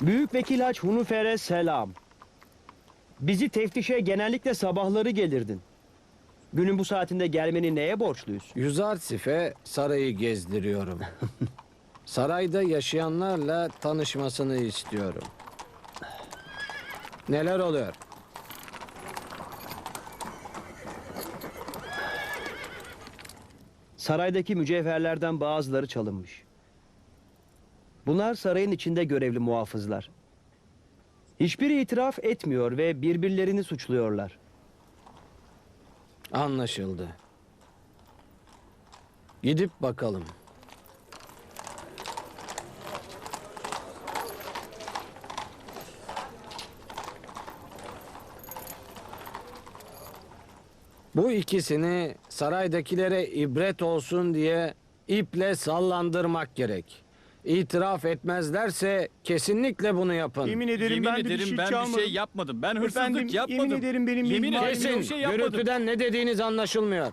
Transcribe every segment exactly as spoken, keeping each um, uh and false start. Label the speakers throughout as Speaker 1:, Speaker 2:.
Speaker 1: Büyük Vekil Haç Hunufer'e selam. Bizi teftişe genellikle sabahları gelirdin. Günün bu saatinde gelmeni neye borçluyuz?
Speaker 2: Yüzarsif'e sarayı gezdiriyorum. Sarayda yaşayanlarla tanışmasını istiyorum. Neler oluyor?
Speaker 1: Saraydaki mücevherlerden bazıları çalınmış. Bunlar sarayın içinde görevli muhafızlar. Hiçbiri itiraf etmiyor ve birbirlerini suçluyorlar.
Speaker 2: Anlaşıldı. Gidip bakalım. Bu ikisini saraydakilere ibret olsun diye iple sallandırmak gerek. İtiraf etmezlerse kesinlikle bunu yapın.
Speaker 3: Yemin ederim
Speaker 4: Yemin
Speaker 3: ben de
Speaker 4: ederim
Speaker 3: bir şey
Speaker 4: ben
Speaker 3: çalmadım.
Speaker 4: bir şey yapmadım. Ben hırsızlık
Speaker 3: Efendim,
Speaker 4: yapmadım.
Speaker 3: yemin ederim benim
Speaker 4: Yemin
Speaker 3: bilmem-
Speaker 4: ederim
Speaker 2: Kesin.
Speaker 4: bir şey yapmadım.
Speaker 2: Gürültüden ne dediğiniz anlaşılmıyor.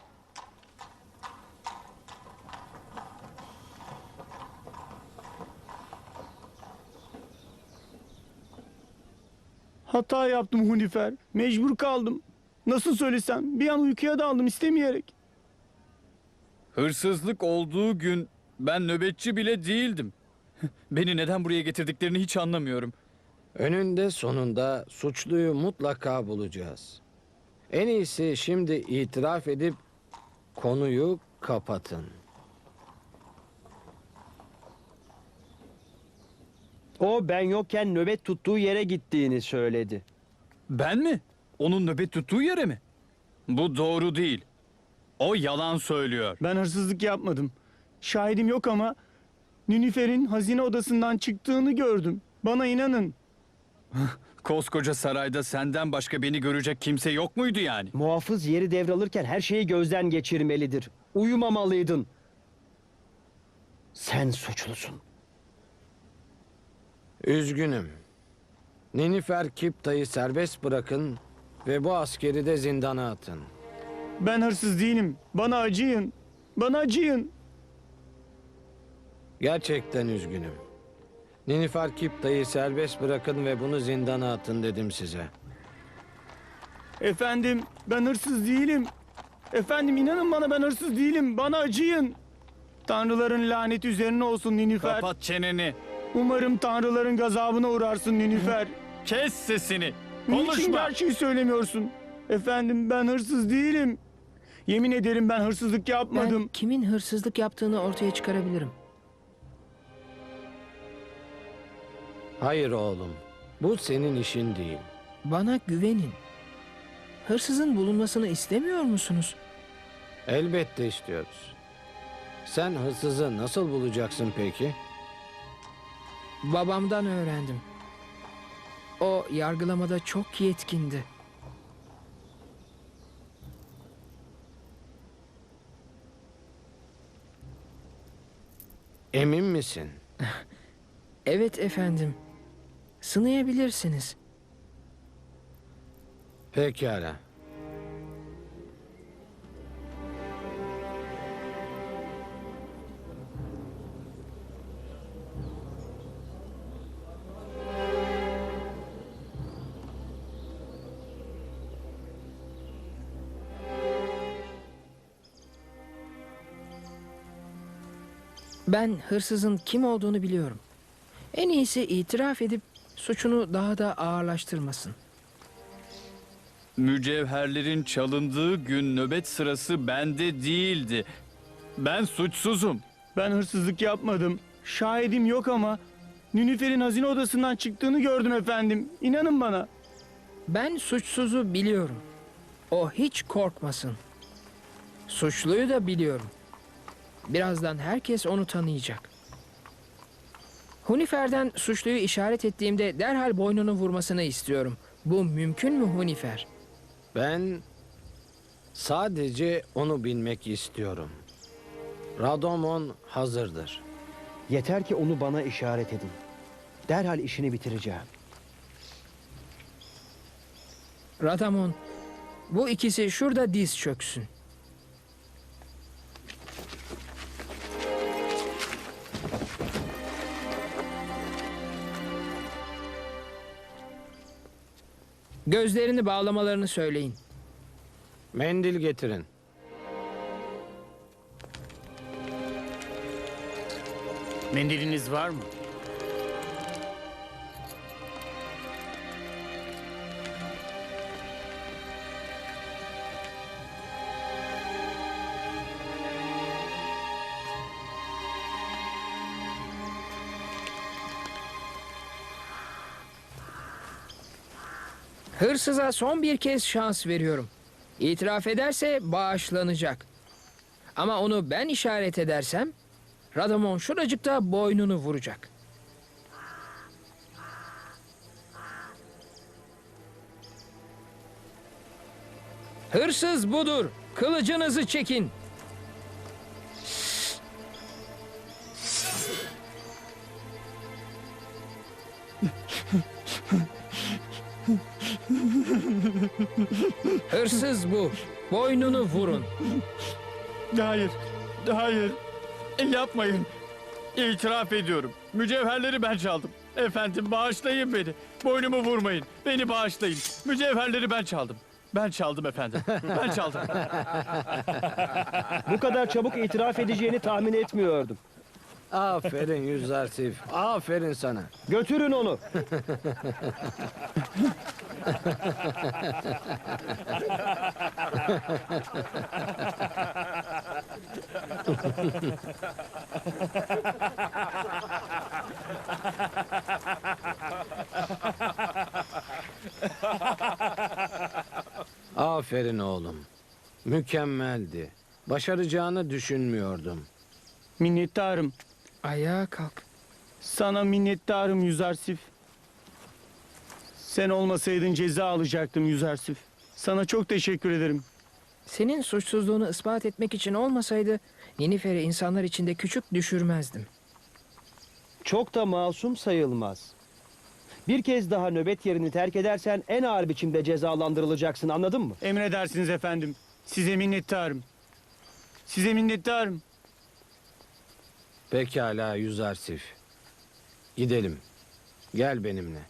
Speaker 3: Hata yaptım Hunifer. Mecbur kaldım. Nasıl söylesem bir an uykuya daldım istemeyerek.
Speaker 4: Hırsızlık olduğu gün ben nöbetçi bile değildim. Beni neden buraya getirdiklerini hiç anlamıyorum.
Speaker 2: Önünde sonunda suçluyu mutlaka bulacağız. En iyisi şimdi itiraf edip konuyu kapatın.
Speaker 1: O ben yokken nöbet tuttuğu yere gittiğini söyledi.
Speaker 4: Ben mi? Onun nöbet tuttuğu yere mi? Bu doğru değil. O yalan söylüyor.
Speaker 3: Ben hırsızlık yapmadım. Şahidim yok ama Nünifer'in hazine odasından çıktığını gördüm. Bana inanın.
Speaker 4: Koskoca sarayda senden başka beni görecek kimse yok muydu yani?
Speaker 1: Muhafız yeri devralırken her şeyi gözden geçirmelidir. Uyumamalıydın. Sen suçlusun.
Speaker 2: Üzgünüm. Ninifer Kipta'yı serbest bırakın ve bu askeri de zindana atın.
Speaker 3: Ben hırsız değilim. Bana acıyın. Bana acıyın.
Speaker 2: Gerçekten üzgünüm. Ninifer Kipta'yı serbest bırakın ve bunu zindana atın dedim size.
Speaker 3: Efendim ben hırsız değilim. Efendim inanın bana ben hırsız değilim. Bana acıyın. Tanrıların laneti üzerine olsun Ninifer.
Speaker 4: Kapat çeneni.
Speaker 3: Umarım tanrıların gazabına uğrarsın Ninifer.
Speaker 4: Kes sesini.
Speaker 3: Niçin
Speaker 4: Konuşma.
Speaker 3: gerçeği söylemiyorsun? Efendim ben hırsız değilim. Yemin ederim ben hırsızlık yapmadım.
Speaker 5: Ben kimin hırsızlık yaptığını ortaya çıkarabilirim.
Speaker 2: Hayır oğlum. Bu senin işin değil.
Speaker 5: Bana güvenin. Hırsızın bulunmasını istemiyor musunuz?
Speaker 2: Elbette istiyoruz. Sen hırsızı nasıl bulacaksın peki?
Speaker 5: Babamdan öğrendim. O yargılamada çok yetkindi.
Speaker 2: Emin misin?
Speaker 5: Evet efendim. Sınayabilirsiniz.
Speaker 2: Pekala.
Speaker 5: Ben hırsızın kim olduğunu biliyorum. En iyisi itiraf edip suçunu daha da ağırlaştırmasın.
Speaker 4: Mücevherlerin çalındığı gün nöbet sırası bende değildi. Ben suçsuzum.
Speaker 3: Ben hırsızlık yapmadım. Şahidim yok ama Nünifer'in hazine odasından çıktığını gördüm efendim. İnanın bana.
Speaker 5: Ben suçsuzu biliyorum. O hiç korkmasın. Suçluyu da biliyorum. Birazdan herkes onu tanıyacak. Hunifer'den suçluyu işaret ettiğimde derhal boynunu vurmasını istiyorum. Bu mümkün mü Hunifer?
Speaker 2: Ben sadece onu bilmek istiyorum. Radomon hazırdır.
Speaker 1: Yeter ki onu bana işaret edin. Derhal işini bitireceğim.
Speaker 5: Radamon, bu ikisi şurada diz çöksün. Gözlerini bağlamalarını söyleyin.
Speaker 2: Mendil getirin.
Speaker 3: Mendiliniz var mı?
Speaker 5: Hırsıza son bir kez şans veriyorum. İtiraf ederse bağışlanacak. Ama onu ben işaret edersem Radamon şuracıkta boynunu vuracak. Hırsız budur. Kılıcınızı çekin. Hırsız bu. Boynunu vurun.
Speaker 4: Hayır, hayır. Yapmayın. İtiraf ediyorum. Mücevherleri ben çaldım. Efendim bağışlayın beni. Boynumu vurmayın. Beni bağışlayın. Mücevherleri ben çaldım. Ben çaldım efendim. Ben çaldım.
Speaker 1: Bu kadar çabuk itiraf edeceğini tahmin etmiyordum.
Speaker 2: Aferin Yüzarsif. Aferin sana.
Speaker 1: Götürün onu.
Speaker 2: Aferin oğlum. Mükemmeldi. Başaracağını düşünmüyordum.
Speaker 3: Minnettarım.
Speaker 5: Ayağa kalk.
Speaker 3: Sana minnettarım Yüzarsif. Sen olmasaydın ceza alacaktım Yüzarsif. Sana çok teşekkür ederim.
Speaker 5: Senin suçsuzluğunu ispat etmek için olmasaydı Ninifer'i insanlar içinde küçük düşürmezdim.
Speaker 1: Çok da masum sayılmaz. Bir kez daha nöbet yerini terk edersen en ağır biçimde cezalandırılacaksın, anladın mı?
Speaker 3: Emredersiniz efendim. Size minnettarım. Size minnettarım.
Speaker 2: Pekala Yüzarsif. Gidelim. Gel benimle.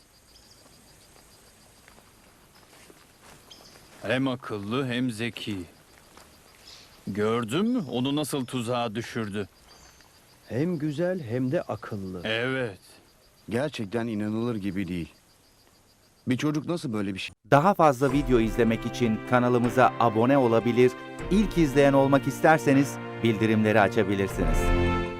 Speaker 4: Hem akıllı hem zeki. Gördün mü? Onu nasıl tuzağa düşürdü?
Speaker 1: Hem güzel hem de akıllı.
Speaker 4: Evet.
Speaker 6: Gerçekten inanılır gibi değil. Bir çocuk nasıl böyle bir şey
Speaker 7: Daha fazla video izlemek için kanalımıza abone olabilir, ilk izleyen olmak isterseniz bildirimleri açabilirsiniz.